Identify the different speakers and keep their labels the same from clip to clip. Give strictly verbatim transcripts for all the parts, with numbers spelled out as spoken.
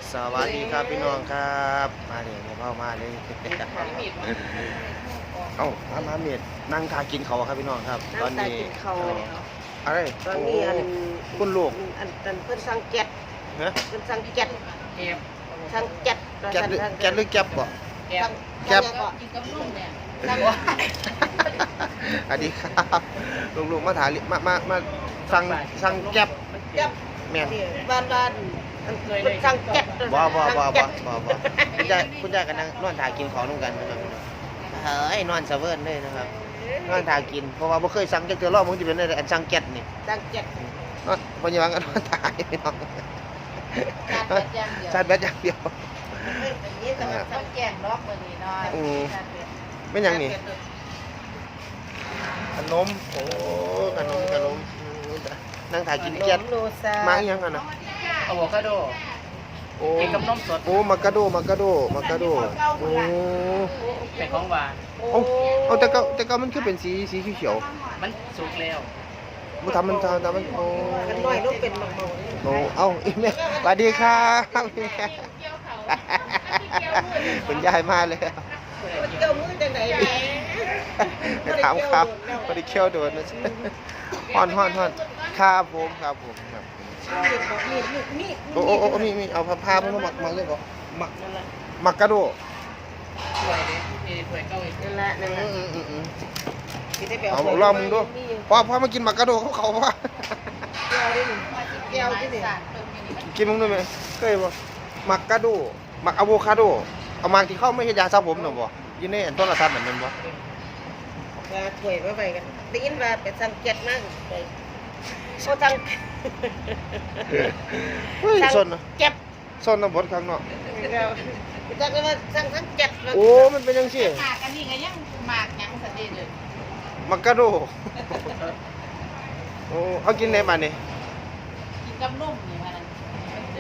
Speaker 1: สวัสดีครับพี่น้องครับมาเลยมาเข้ามาเลยเอ้ามามาเมียดนั่งทากินเขาครับพี่น้องครับตอนนี้อะไร
Speaker 2: ตอนนี้อัน
Speaker 1: คุณลูก
Speaker 2: อันอันเพิ่นสั่งแก๊ส
Speaker 1: ฮะ
Speaker 2: เพิ่นสั่งแก๊ส
Speaker 3: เก็บ
Speaker 2: สั่งแก๊ส
Speaker 1: แก๊สหรือแก๊สหรือแก๊บบ่
Speaker 3: เก็บ
Speaker 1: แก๊บ
Speaker 3: กินกับนุ่มเนี่ย
Speaker 2: สั่ง
Speaker 1: สวัสดีครับลูกๆมาถามมามามาสั่งสั่งแก๊บ
Speaker 2: แก๊ส
Speaker 1: แม่น
Speaker 2: นี่บ้านบ้านอันเพิ่นสั่งแก๊ส
Speaker 1: บ่บ่บ่
Speaker 2: สั่ง
Speaker 1: บ่
Speaker 2: แก๊ส
Speaker 1: บ่บ่คุณยายคุณยายกันนั่งนอนทากินของนู่นกันนะครับเฮ้ยนอนเสะเวิร์นเลยนะครับนอนทากินเพราะว่าบ่เคยสั่งจักเทื่อรอบมึงสิเป็นอันสั่งแก๊สนี่
Speaker 2: สั่งแก๊ส
Speaker 1: นอนปัจจุบันก็นอนตายพี่น้อง
Speaker 3: การแบดอย่างเดียว
Speaker 1: ชาร์จแบตอย่างเดียว
Speaker 2: เพิ่นเป็นนี้แต่ว่า
Speaker 3: ต้องแกงล็อกมือนี้น้อย
Speaker 1: อืม ไม่ยังนี่ขนมโอ้ขนมขนมนั่งถ่ายกินเกี๊ยด
Speaker 2: โลซา
Speaker 1: มาอีกยังกันนะ
Speaker 3: อะโวคาโด
Speaker 1: โอ้
Speaker 3: กินกับนมสด
Speaker 1: โอ้มากาโดมากาโดมากาโดโอ้
Speaker 3: เป็นของหวาน
Speaker 1: เอาเอาแต่ก็แต่ก็มันคือเป็นสีสีเขียว
Speaker 3: มันสุกแล้ว
Speaker 1: ๆมันทำมันทำทำมันโอ้
Speaker 2: กันน้อยลูกเป็นมังเมา
Speaker 1: โอ้เอ้าอีแม่สวัสดีครับอีแม่คุณยายมาเลย
Speaker 2: มันเกี่ยวมือจังได๋
Speaker 1: ไปถามครับพอดีเคี่ยวโดนนะฮ้อนฮ้อนฮ้อนครับผมครับผมครับ
Speaker 2: มีดมีด
Speaker 1: โอ้โอ้โอ้มีมีเอาผ้าผ้ามาหมักมาเลยบอกหมักหมักกระโดด
Speaker 3: ถ้วยนี้มีถ้วยเก้าอีก
Speaker 2: นั่นแหละนั่นแห
Speaker 1: อื
Speaker 2: ละ
Speaker 1: มอืมอืม
Speaker 2: สิได้ไป
Speaker 1: เอา
Speaker 2: เอา
Speaker 1: ลองมึงดูพอพอมากินหมักกระโดดเขาเขาว่า
Speaker 2: แก้วดิแก้วที่นี่
Speaker 1: กินมึงด้วยไหมเคยบ่หมักกระโดดหมักอะโวคาโดเอามาที่เข้าไม่ใช่ยาสระผมหรอบ่ยินในอันต้นละทัดเหมือนมันบ่
Speaker 2: ว่าถ้วยมาไปกันได้ยินว่าไปสั่งแก๊สมาไปโอ้สั่ง
Speaker 1: เฮ้ย
Speaker 2: สั่ง
Speaker 1: ส้นนะ
Speaker 2: แก๊ส
Speaker 1: ส้นนะบดข้างนอก
Speaker 2: แล้วจักว่าสั่งทั้งแก๊ส
Speaker 1: โอ้มันเป็นยังสิ
Speaker 3: หมากอันนี้ก็ยังหมากยังสติเลย
Speaker 1: หมักกระโดดโอ้เขากินในบ้านนี่
Speaker 3: กินกับนุ่มนี่มัน
Speaker 1: โอ้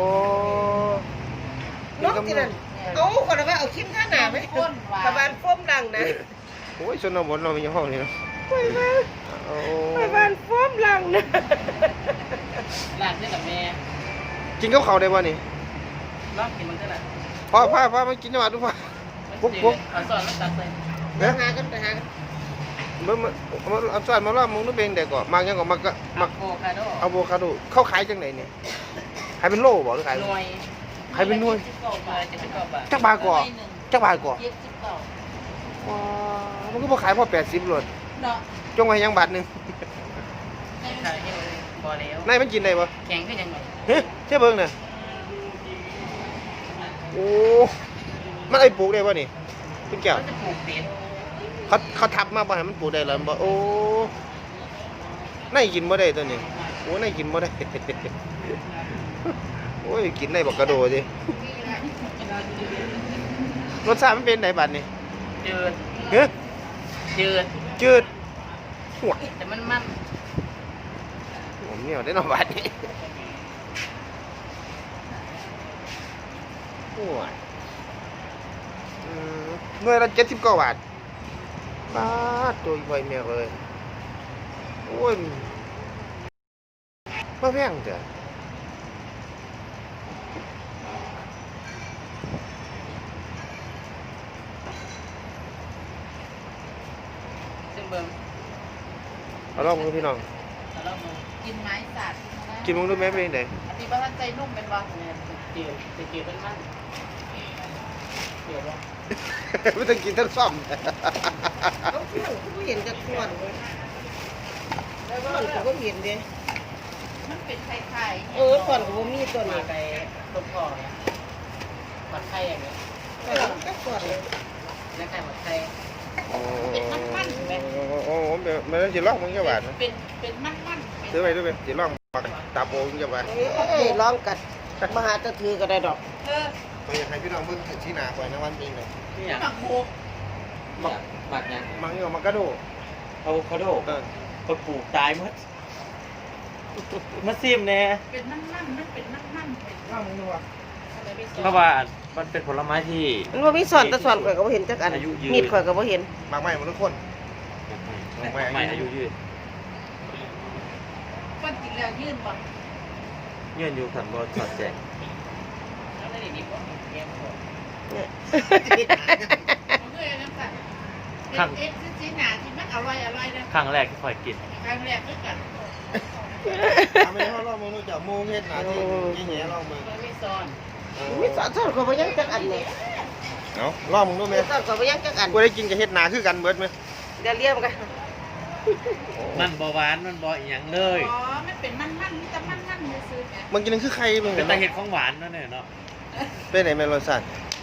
Speaker 2: นกที่นั่นเอาคนว่าเอาคิมท่าหนาไหมกระบาลฟ้มดังนะ
Speaker 1: โอ้ยชนบทเรามีห้องนี่เนาะ
Speaker 2: ไปบ้าน
Speaker 1: โอ้
Speaker 2: ไปบ้านฟ้มดังนะ
Speaker 3: หลานนี่กับแม่
Speaker 1: กินกับเขาวได้บ่นี่
Speaker 3: ลองกินมันก็ได้
Speaker 1: พ่อพ่อพ่อมากินจังหวัดดูพ่อ ปุ๊บปุ๊บ
Speaker 3: เอาซอสแล้วตักเลย
Speaker 2: ไปหากันไปหากัน
Speaker 1: มามามาเอาสารมาล่ามึงนึกเป็นเด็กก่อนมากยังก่อนมากก็
Speaker 3: มั
Speaker 1: มาก
Speaker 3: โวคาโด
Speaker 1: อะโวคาโดเข้าขายจังไหนเนี่ยขายเป็นโล่บ่หรือขาย
Speaker 3: หน่วย
Speaker 1: ขายเป็นหน่วย
Speaker 3: จะเป็นกรอบอ่ะ
Speaker 1: จักบาทก่อนจักบาทก่อน
Speaker 3: เย็บสิบเก้า
Speaker 1: ว้ามันก็บ่ขายพอแปดสิบโลด
Speaker 3: เนาะ
Speaker 1: จงไว้ยังบาทหนึง
Speaker 3: ไม่ขายให้เลยพอแล้ว
Speaker 1: นายมันกินได้บ่
Speaker 3: แข็งก็ยังไง
Speaker 1: เฮ้ยเชื่อเบิ่งน่ะโอ้มันไอ้ปลูกได้บ่นี่คุณแก้ว
Speaker 3: มันจะปลูกเป็ด
Speaker 1: เขาเขาทับมาบ่ให้มันปลูกได้แล้วบ่โอ้นายกินบ่ได้ตัวนี้โอ้นายกินบ่ได้ โอ้ยกินได้บักกระโดดดิรสชาติมันเป็นไหนบัดนี่
Speaker 3: จืด
Speaker 1: เฮ้ย
Speaker 3: จืด
Speaker 1: จืดหัว
Speaker 3: แต่มันมัน
Speaker 1: ผมเหนียวได้หน่อบัดนี่หัวอืมหน่วยละเจ็ดสิบเก้าบาทบาทตัวอีกใบแมวเลยโอ้ยมาแพงเถอะ
Speaker 3: ซึ่งเบิ่ง
Speaker 1: เอาลองดูพี่น้อง
Speaker 3: แล้วเรากินไม้สัตว์
Speaker 1: กินมึงดูแม่เป็นไง
Speaker 3: อันนี้บ้านใจนุ่มเป็นว่าเนี่ยจืดจะจืดเป็นมันเดี๋ยวว่า
Speaker 1: ไม่ต้องกินทั้งซ่อม
Speaker 2: เขาเพื่อนเขาเห็นจะขวนเลยแล้วก็เขาก็เห็นเด้
Speaker 3: มันเป็นไข่ไข่
Speaker 2: เออขวนเขามีตัว
Speaker 3: มา
Speaker 2: นี้
Speaker 3: ไปต้มคอเนี่ยผัดไข่อย่างเงี้ย
Speaker 2: ขวนก็ขวนเลย
Speaker 3: แล้วไข่ผัดไข่
Speaker 1: โอ้
Speaker 3: เป็นมันๆไหม
Speaker 1: โอ้โหมันจะลอกมึงจะบาดนะ
Speaker 3: เป็นเป็นมันมัน
Speaker 1: ซื้อไปซื้อไปจะลอกปักตาโปมึงจะบาด
Speaker 2: เอ้ยร้องกัดมาหาตะถือก็ได้ดอก
Speaker 3: เออ
Speaker 1: ไปอยากให้พี่น้องมึงที่หนาไว้นะวันนี้เลย
Speaker 3: เนี่ยหมักโคก
Speaker 4: หมักหมักยัง
Speaker 1: มังนี่มันกระโดด
Speaker 4: อะโวคาโด
Speaker 1: เออ
Speaker 4: คนปลูกตายหมดมาซิมแน่
Speaker 3: เป็นมันมันมันเป็นมันมันเป็น
Speaker 2: ว่ามึงดูว่า
Speaker 4: เพราะว่ามันเป็นผลไม้ที่
Speaker 2: มันว่ามีสอนแต่สอนข่อยก็บ่เห็นจักอัน
Speaker 4: อายุยืน
Speaker 2: มีดข่อยก็บ่เห็น
Speaker 1: มากไม่หมดทุกคน
Speaker 4: ใหม่อายุยืด
Speaker 3: คนกินแล้วยื่นบ่
Speaker 4: เงื่อนอยู่ขันบอลสอดแจง
Speaker 2: เนี่ย
Speaker 3: มันก็ยังน้ำตาลเอ็กซ์ซีหนาที่มันอร่อยอร่อยนะ
Speaker 4: ครั้งแรกที่คอยกิน
Speaker 3: ครั้งแรกด้วยกัน
Speaker 1: ทำไมเขาลองมึงรู้จักโมงเฮ็ดหนาที่ยี่แง่ลองมึง
Speaker 3: มันไม่ซ้อน
Speaker 2: มีสอนสอนเขาไปยังจักอันเนี่ย
Speaker 1: เอาลองมึงดูไหม
Speaker 2: สอนเขาไปยังจักอัน
Speaker 1: กูได้กินกับเฮ็ดหนาคือกันเบิดไหม
Speaker 2: เดี๋ยวเรียกกัน
Speaker 4: มันบ่หวานมันบ่อีหยังเลย
Speaker 3: อ๋อมันเป็นมันมันมีแต่มันมันเลยซื้อเนี่ย
Speaker 1: มึงกินนั่นคือใครมึง
Speaker 4: เป็
Speaker 1: เห็
Speaker 4: น
Speaker 1: นไหม
Speaker 4: ตาเห็ดของหวานนั่นเนี่ยเนาะ
Speaker 1: เป็นไหนแม่รสชาติ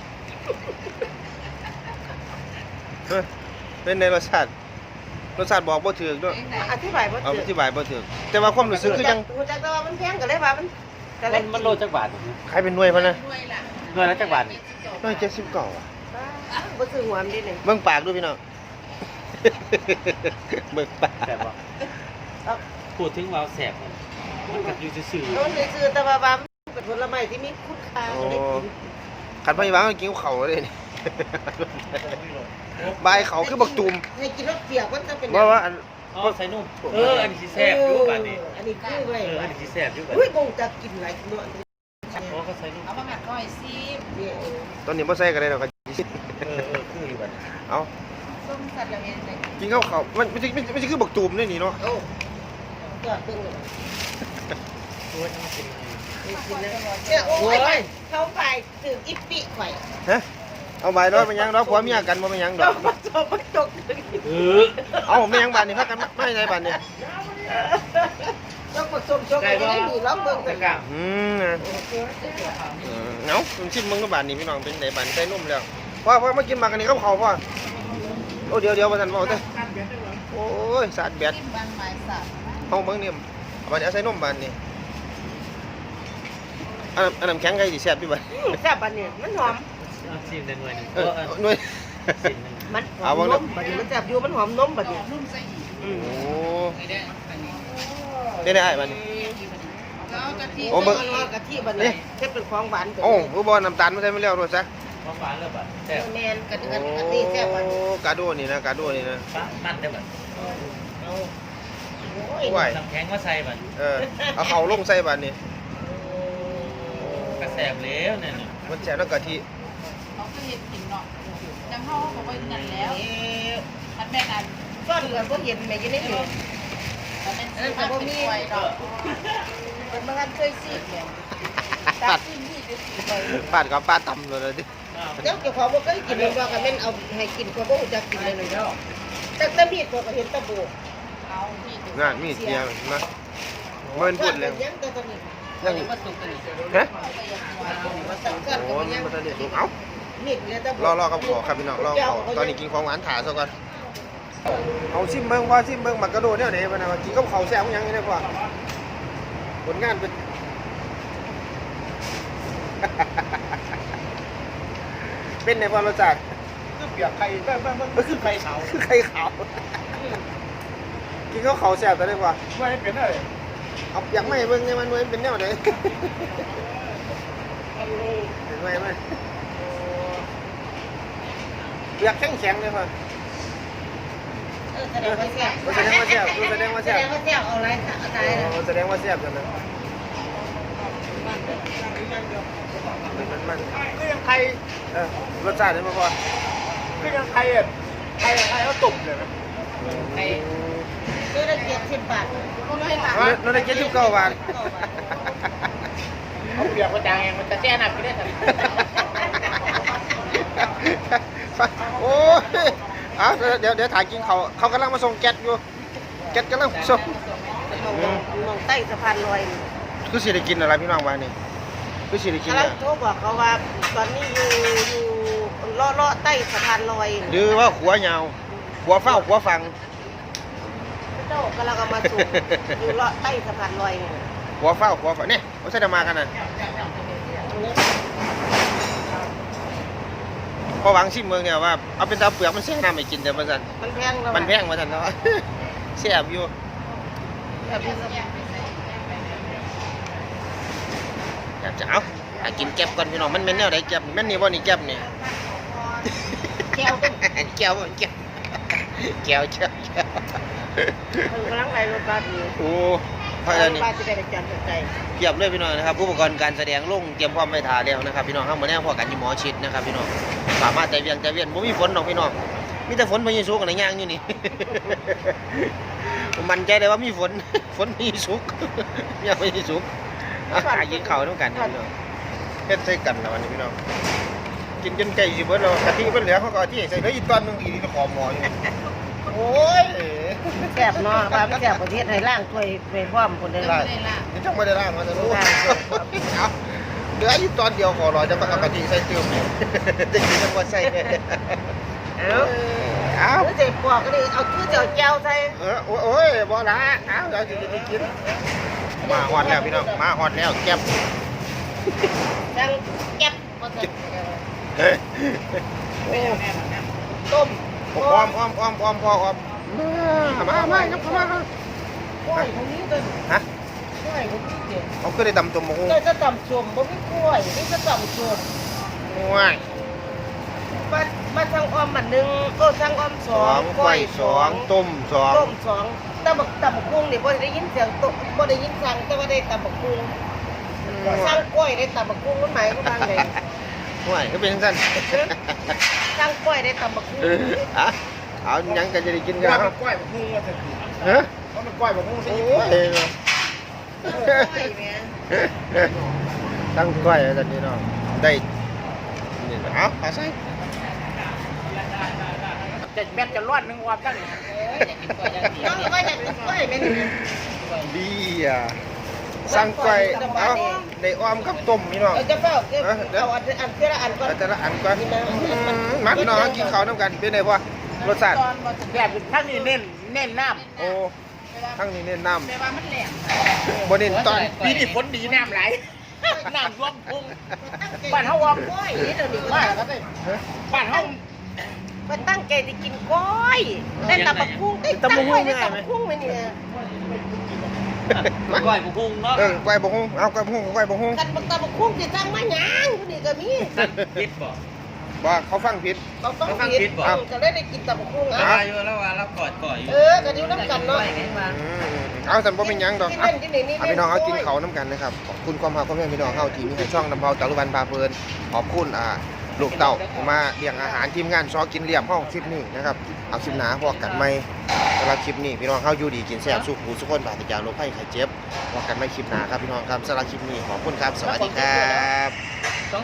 Speaker 1: เฮ้ยเป็นในรสชาติรสชาติบอกบ่ถูกด้วย
Speaker 2: อธิบายบ่
Speaker 1: เอา
Speaker 2: ถู
Speaker 1: อก ธิบายบ่ถูกแต่ว่าความรู้สึกคือยัง
Speaker 2: รู้จักแต่ว่ามันแพงก็เลยว่ามันก็เล
Speaker 4: มั
Speaker 2: ย
Speaker 4: นมันโลจักบาท
Speaker 1: ใครเป็นหน่วยพะนะ
Speaker 3: ด้วยล่ะ
Speaker 4: หน่วยละจักบาทนี่
Speaker 1: น้อยเจ็ดสิบเก้าอ่ะ
Speaker 2: บ่ซื้อหัวมันดิเนี่ย
Speaker 1: เบิ่งปากดูพี่น้อง เบิ่งปาก
Speaker 4: แสบบ่พูดถึงวาวแสบมันกับอยู่ซื่อ
Speaker 2: มันซื้อแต่ว่าว่ามันเป็นผลไม้ที่มีคุณค่าก็เลยกิน
Speaker 1: ขันพยาบาลมันกินเขาเลยนี่ บายเขาคือบักตูม
Speaker 2: ให้กินรสเปียกมันจะเป็น
Speaker 1: ว่าว่าอัน
Speaker 4: ๆอ๋อใส่นุ่มเอออันนี้สิแสบอยู่บาดนี้
Speaker 2: อันนี้คือไว้
Speaker 4: เอออันนี้สิแสบอยู่บาด
Speaker 2: อุ้ย
Speaker 4: นี้
Speaker 2: คงจะกินหลายกิโลอันนี้
Speaker 4: อ๋อก็ใส่นุ่ม
Speaker 3: เอามาหมักก้อยซี
Speaker 2: เนี่ย
Speaker 1: ตอนนี้บ่ใส่กันเลยดอกก็
Speaker 4: เออเออคืออยู่บาดนี้
Speaker 1: เอา
Speaker 3: ส้มสัตว์ละเมียนเลย
Speaker 1: กินข้าวเขามันไม่ใช่ไม่ใช่ไม่ใช่คือบักตูมนี่นี่เนาะ
Speaker 2: โอ้ยอดตึงเลย
Speaker 4: โอ้ยมันเป็นไง
Speaker 2: กินนะเนี่ยโอ้ยเขาไปถึงอิปปิข่อย
Speaker 1: ฮะเอาใบร้อยมันยังดอกผัวเมียกันบ่มันยังด
Speaker 2: เรา
Speaker 1: อก
Speaker 2: มาจบมาจบเลย
Speaker 4: เออ
Speaker 1: เอาไม่ยังบานนี่พักกันไม่ใช่บานนี่
Speaker 2: เราผสมชกกันได้ดีแล้วเบิ่ง
Speaker 4: ตะ
Speaker 2: กัน
Speaker 4: กร้า
Speaker 1: อืมนะเออเนาคุณชิมมึงก็บานนี่พี่น้องเป็นไดบานใส่นุ่มแล้วพ่อพ่อมากินมากันนี่เขาเขาพ่อโอ้เดี๋ยวเดี๋ยวมาทันพ่อเต้โอ้ยสาดแบด
Speaker 3: จิ้มบางไม้สับ
Speaker 1: ห้องเบิ่งนี่บานนี้เอาใส่นุ่มบานนี่อันนั้นอันน้ำแข็งไก่สิแซ่บพี่บ่
Speaker 2: แซ่บบัดเนี่ยมันหอม
Speaker 4: เอาชิมได้หน่วยหนึง
Speaker 1: เอ
Speaker 4: เอ
Speaker 1: อ
Speaker 4: อเออ
Speaker 1: หน่วย
Speaker 4: ชิมหนึง
Speaker 2: มันหอมนมบัดนี้มันแซ่บอยู่มันหอมนมบัดเนี่ย
Speaker 3: นุ่มใส่อีก
Speaker 1: โอ้
Speaker 3: ไม่ได้อันนี้
Speaker 1: ได้ได้บานนี่
Speaker 3: แล้วกะทิ
Speaker 1: โอ้เบิ่ง
Speaker 2: กะทิบัดเนี่ยเฮ็ดเป็นของหวาน
Speaker 1: โอ้คือบ่น้ำตาลมาใส่ไม่แล้วด้วยซะ
Speaker 4: หวานๆเลยบาดแซ่บ
Speaker 2: แมนกะทิกะทิแซ่บบัด
Speaker 1: โอ้กาโดนี่นะกาโดนี่นะ
Speaker 4: ปะมันได้บาด
Speaker 2: โอ้ย
Speaker 1: ไหว
Speaker 4: น้ำแข็งมาใส่บาด
Speaker 1: เออเอาเขาลงใส่บานนี่
Speaker 4: กระแสบแล้วเนี่ยน่ะ
Speaker 1: มันแซ่บแล้วกะทิ
Speaker 3: เขาก็เห็ดกินเนาะจังเขาบอกว่ากันแล้วมันแม่กัน
Speaker 2: ก้อนก็บ่เห็นแม่กินได้อยู่
Speaker 3: มันเป็นซื้อมาเป็นกล้วยดอก
Speaker 2: เป็นบางอันเคยสิ
Speaker 1: ปาดปาดกับปาดตำเลยดิ
Speaker 2: เจ้าเจ้าของบ่เคยกินเลยว่าก็แม่นเอาให้กินก็บ่รู้จักกินเลยเนาะแต่แต่มีดก็เห็นตะโบก
Speaker 3: เอาที่
Speaker 1: งานมีดเดียวนะเมินพูดเลย
Speaker 2: ยังแต่ตอนนี้
Speaker 1: ยัง
Speaker 3: มาสุกกันนี่
Speaker 1: ฮะ
Speaker 2: มาสั่งกัน
Speaker 1: โอ้
Speaker 2: ก็
Speaker 1: ย
Speaker 2: ยัง
Speaker 1: มันจะเด็ดเอ้า
Speaker 2: มีดเลยตะโบ
Speaker 1: รอรอกับขอครับพี่น้องรอขอตอนนี้กินของหวานถาซะก่อนเอาซิมเบิ้งว่าซิมเบิ้งมักกระโดดเนี่ยไหนมานะกินกับข้าวแซ่บยังไงกว่าผลงานเป็น เป็นในความรสชาติ
Speaker 4: คือเปียกไข่บ้างบ้างมันคือไข่ขาว
Speaker 1: คือไข่ขาวกินข้าวเขาแซ่บแต่ได้กว่า
Speaker 4: ไม่เป็นอะไร
Speaker 1: เอาอยากไม่เบิ่งไงมันหน่วยเป็นแนวไหนเห็นไหมไหมเปียกแข็งแข็งเลยค่ะ
Speaker 2: เออแสดงว่าแซ่บ
Speaker 1: แสดงว่าแซ่บแสดงว่า
Speaker 2: แส
Speaker 1: แซ่บ
Speaker 2: ดงว่าแซ่บเอาอะไรเอาตายเลย
Speaker 1: แสดงว่าแซ่บจังนะมันมัน
Speaker 4: ก็ยังไข่
Speaker 1: เออรสชาตินี่มาพอ
Speaker 4: ก็ยังไข่อ่ะไข่ไข่เขาตุ่มเลยนะ
Speaker 3: ไอ้
Speaker 2: ซื้อได้เจ็ดสิบบาท
Speaker 3: ก็ไม่หลัง
Speaker 1: นั่นได้เจ็ดสิบเก้าบาท
Speaker 3: เขาเปียกกระจายมันจะแช่หนักไปได้ทัน
Speaker 1: โอ้ยเอาเดี๋ยวเดี๋ยวถ่ายกินเขาเขากำลังมาส่งแก๊สอยู่แก๊สกำลังส่ง
Speaker 2: มองมองใต้สะพานลอย
Speaker 1: คือสิได้กินอะไรพี่น้องวานี่คือสิได้กิน
Speaker 2: กำลั
Speaker 1: อะ
Speaker 2: งโทรบอกเขาว่าตอนนี้อยู่อยู่เลาะเลาะใต้สะพานลอย
Speaker 1: หรือว่าขัวยาวขัวเฝ้าขัวฟัง
Speaker 2: เจ้ากำลังเอามาส่งอยู่เลาะใต้สะพานลอยเนี่ย
Speaker 1: ขัวเฝ้าขัวฟังเนี่ยเขาใช้ดมากันน่ะพอวางชิมเมืองเนี่ยว่าเอาเป็นตาเปลือกมันแช่น้ำไม่กินแต่มันสัน
Speaker 2: มันแพงแล้ว
Speaker 1: มันแพงมาสันเนาะ แซ่บอยู่
Speaker 2: แบบนี้
Speaker 1: อยากจะเอาหากินแก็บก่อนพี่น้องมันเป็นแนวไหนแก็บแม่นนี่บ่นี่แก็บนี่
Speaker 2: แก้วเป็น
Speaker 1: แก้วบ่แก้วแก้วแก้วแก้ว
Speaker 2: มันกำลังไหลรถบัสอยู่
Speaker 1: โอ้เพราะอันนี้
Speaker 2: ป้าจะได้ไปจันทร์ใจ
Speaker 1: เทียบเลยพี่น้องนะครับอุปกรณ์การแสดงลงเตรียมพร้อมไว้ท่าแล้วนะครับพี่น้องเข้ามาแน่พอกันอยู่หมอชิดนะครับพี่น้องสามารถใจเวียงใจเวียนบ่มีฝนหรอกพี่น้องมีแต่ฝนพายุสุกอะไรย่างอยู่นี่ ผมมั่นใจได้ว่ามีฝน ฝนพายุสุก มีพายุสุกอาหารกินข้าวต้องกันพี่น้องเฮ็ดใส่กันแล้ววันนี้พี่น้องกินจนไก่สิเบิดแล้วกะทิเพิ่นเหลือเขาก็เอาที่ใส่เหลืออีกตอนหนึงอีกนี่ขอหมออยู่ โอ้ย
Speaker 2: แซ่บเนาะป้าไม่แซ่บประเทศไทยล่างถ้วยถ้วยพร้อมคนได้
Speaker 3: ไม่
Speaker 2: ล่าง
Speaker 3: ได้ละ
Speaker 1: นี่จังไม่ได้ล่างมาจะรู้เอาเหลืออยู่ตอนเดียวขอรอจะมาเอากะทิใส่เติมเนี่ยจะกินจังว่าใส่
Speaker 2: เอ้า
Speaker 1: เอา
Speaker 2: เอาเจ็บปอกก็ได้เอาคือเจ้าแก้วใส่
Speaker 1: เออโอ้ยบ่ละเอาเดี๋ยวจะไปกินมาฮอดแล้วพี่น้องมาฮอดแล้วแก้ม
Speaker 2: จังแก๊บบ่ใส่
Speaker 1: เฮ้ย
Speaker 2: ต้ม
Speaker 1: อ้อมอ้อมอ้อมอ้อมพ่ออ้อมมามามาครับมาครับ
Speaker 2: กล้วยตรงนี้ต้น
Speaker 1: ฮะ
Speaker 2: กล้วยตรงนี้เด็ด
Speaker 1: เขาก็ได้ตำตัวหมู
Speaker 2: ก็จะตำชมบ่มีกล้วยนี่จะตำชม
Speaker 1: ว้าย
Speaker 2: มามาทางอ้อมมันหนึ่งโอ้ทางอ้อมส
Speaker 1: ส
Speaker 2: อ
Speaker 1: อง งกล้วยสองต้มสอง
Speaker 2: ต้มสองตำบักตำบักกุ้งนี่บ่ได้ยินเสียงตกบ่ได้ยินสั่งแต่ว่าได้ตำบักกุ้งสั่งกล้วยได้ตำบักกุ้งมันหมายความว่าไง
Speaker 1: ว้ายก็เป็นสั้น
Speaker 2: สั่งกล้วยได้ตำบักกุ้ง
Speaker 1: อ่ะเอายังกันจะได้กินกัน
Speaker 5: ว่า
Speaker 1: ค
Speaker 5: มั
Speaker 1: รับ
Speaker 5: นกล้วยบักฮุ้งว่าจะกิน
Speaker 1: ฮะ
Speaker 5: ว่ามันกล้วยบักฮุ้งสิ
Speaker 1: โอ้ย
Speaker 2: กล้วยแม่
Speaker 1: ตั้งกล้วยแล้วตอนนี้เนาะได้นี่เอาเอาใส่
Speaker 5: จะแม่จะร้อนนึงว่ากัน
Speaker 3: เอ้ยอยากกินกล้วยอย่างเดียว
Speaker 2: น้องว่าอยากกินกล้วยแม่นี่
Speaker 1: ดีอ่ะสั่งกล้วยเอาได้อ้อมกับต้มพี่น้อง
Speaker 2: เออจะเฝ้าเอาอันอันเท่าละอันก่อน
Speaker 1: เอาแต่ละอันก่อนมาพี่น้องกินข้าวน้ำกันเป็นไงพ่อรสชาติ
Speaker 3: ตอนมาถึง
Speaker 5: แบบทั้งนี้เน้นเน้นน้
Speaker 1: โอ้ทั้งนี้เน้นน้
Speaker 3: แปลว่ามันแหลม
Speaker 1: ำบ่เน้นตอน
Speaker 5: ำปีนี้ฝนดีน้ำไหลน้ำท่วมพุ่งบ้านเฮาว่า
Speaker 2: กล้วยนี่เดี๋ยวนี้
Speaker 5: บ้านครับบ้านเฮา
Speaker 2: มันตั้งใจจะกินกล้วยได้ตำบักกุ้งได้ตำบักกุ้งได้ตำบักกุ้งไหมเนี่ย
Speaker 4: ก้อยบุกุ้งเนาะ
Speaker 1: เออกล้วยบกฮุ้งเอากล้วยบกฮุ้งกล้วยบกฮุ้ง
Speaker 2: กันบักตำบักกุ้งจะตั้งมาหยังอยู่นี่ก็มี
Speaker 4: พิษบ่
Speaker 1: ว่าเขาฟังผิด
Speaker 2: เราต้อง
Speaker 4: เขาฟัง
Speaker 2: กิ
Speaker 4: ผิ
Speaker 2: น
Speaker 4: ดบ่
Speaker 2: ก็ได้ได้กินตำบักกุ้ง
Speaker 4: แล้
Speaker 2: อ่ะ
Speaker 4: วอยู่แล้วว่าเรากอดก่อยอยู่
Speaker 2: เออกันอยู่น้ำกันเนาะ
Speaker 1: อืมเอาสันบ่เป็นหยังดอก
Speaker 2: กิน
Speaker 1: เอา
Speaker 2: เล่นกินนี่นี่
Speaker 1: เอาพี่น้องเอากินเขาวน้ำกันนะครับขอบคุณความรักความแม่พี่น้องเฮาที่มีให้ช่องนำเผาตะลุวันพาเพลินขอบคุณอ่าลูกเต่ามาเลี้ยงอาหารทีมงานซอกินเลี้ยงห้องคลิปนี้นะครับเอาคลิปหนาพอกันไหมสำหรับคลิปนี้พี่น้องเฮาอยู่ดีกินแซ่บสุขหูสุขคนบาดจากโรคภัยไข้เจ็บพอกันไหมคลิปหนาครับพี่น้องครับสำหรับคลิปนี้ขอบคุณครับสวัสดีครับ